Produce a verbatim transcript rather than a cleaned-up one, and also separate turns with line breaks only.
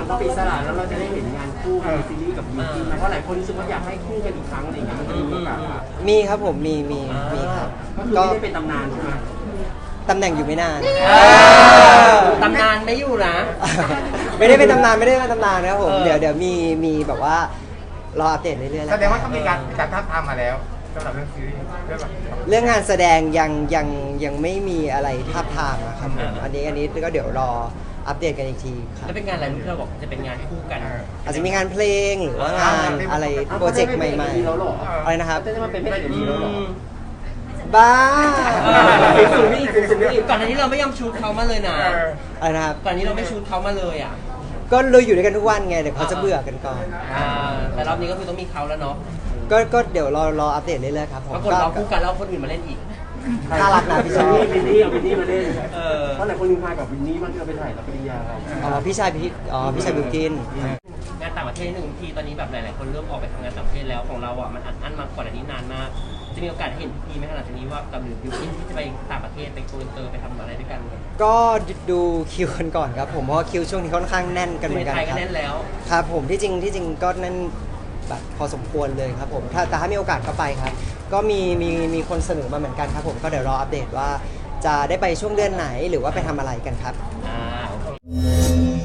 พอเป็นอิสระแล้วเราจะได้เห็นงานคู่ในซีรีส์กับยูกินเพราะหลายคนรู้สึกว่าอยากให้คู่กันอีกครั้งอะไรอย่างเงี้ยมันจะมีโอกาส
มีครับผมมีมีมีครับ
ก็คือไม่ได้เป็นตำนานใช่ไหม
ตำแหน่งอยู่ไม่นาน
ตำนานไม่อยู่นะ
ไม่ได้เป็นตำนานไม่ได้เป็นตำนานนะครับผม
เออ
เดี๋ยวเดี๋ยวมีมีแบบว่ารออัปเดตเรื่อยๆแล้ว
แสดงว่าต้องมีการมีการท้าบทามมาแล้วสำหรับเรื่องซีรีส์เรื่องแบบ
เรื่องงานแสดงยังยังยังไม่มีอะไรทาบทามนะครับผมอันนี้อันนี้ก็เดี๋ยวรออัปเดตกันอีกทีครับ
แล้วเป็นงานอะไรที่เราบอกจะเป็นงานคู่กัน
อาจจะมีงานเพลงหรือว่างานอะไรโปรเจกต์ใหม่ๆ
แล้วหรอ
อะไรนะครับ
จะมาเป็นพระเอกดีแล้วหรอ
บ้า
สูงนี่สูงนี่ก่อนหน้านี้เราไม่ยอมชูดเขามาเลยนะ
อะไรนะครับ
ก่อนนี้เราไม่ชูดเขามาเลยอ่ะ
ก็เลยอยู่ด้วยกันทุกวันไงเดี๋ยวเขาจะเบื่อกันก่อน
อ่าแต่รอบนี้ก็คือต้องมีเขาแล้วเนาะ
ก็ก็เดี๋ยวรอรออัปเดตเรื่อยๆครับผม
ปรากฏเราคู่กันแล้วคนอื่นมาเล่นอีก
น่ารักนะพี่ช
วิ
อน บ
นี่วินนี่เอาวินนี่มาเล่น
เออ
เพราะหลายคนลืมพากับวินนี่มันจะไปถ่ายรับปริญญาเรา
อ๋อพี่ชายพี่อ๋อพี่ชายบิวกิน
งานต่างประเทศหนึ่งทีตอนนี้แบบหลายๆคนเริ่มออกไปทำงานต่างประเทศแล้วของเราอ่ะมันอัดอั้นมาก่อนอันนี้นานมาก จะมีโอกาสเห็นพีไหมขนาดนี้ว่ากับหรือยูกินที่จะไปต่างประเทศไปโกลเตอร์ไปทำอะไรด้วยกัน
ก็ดูคิวกันก่อนครับผมเพราะว่าคิวช่วงนี้ค่อนข้างแน่นกันเหมือนกัน
ไทย
ค
ก็
รับ
แน่นแล้ว
ครับผมที่จริงที่จริงก็แน่นแบบพอสมควรเลยครับผมถ้าแต่ถ้ามีโอกาสก็ไปครับ ก็มีมีมีคนเสนอมาเหมือนกันครับผมก็เดี๋ยวรออัปเดตว่าจะได้ไปช่วงเดือนไหนหรือว่าไปทำอะไรกันครับ
อ่า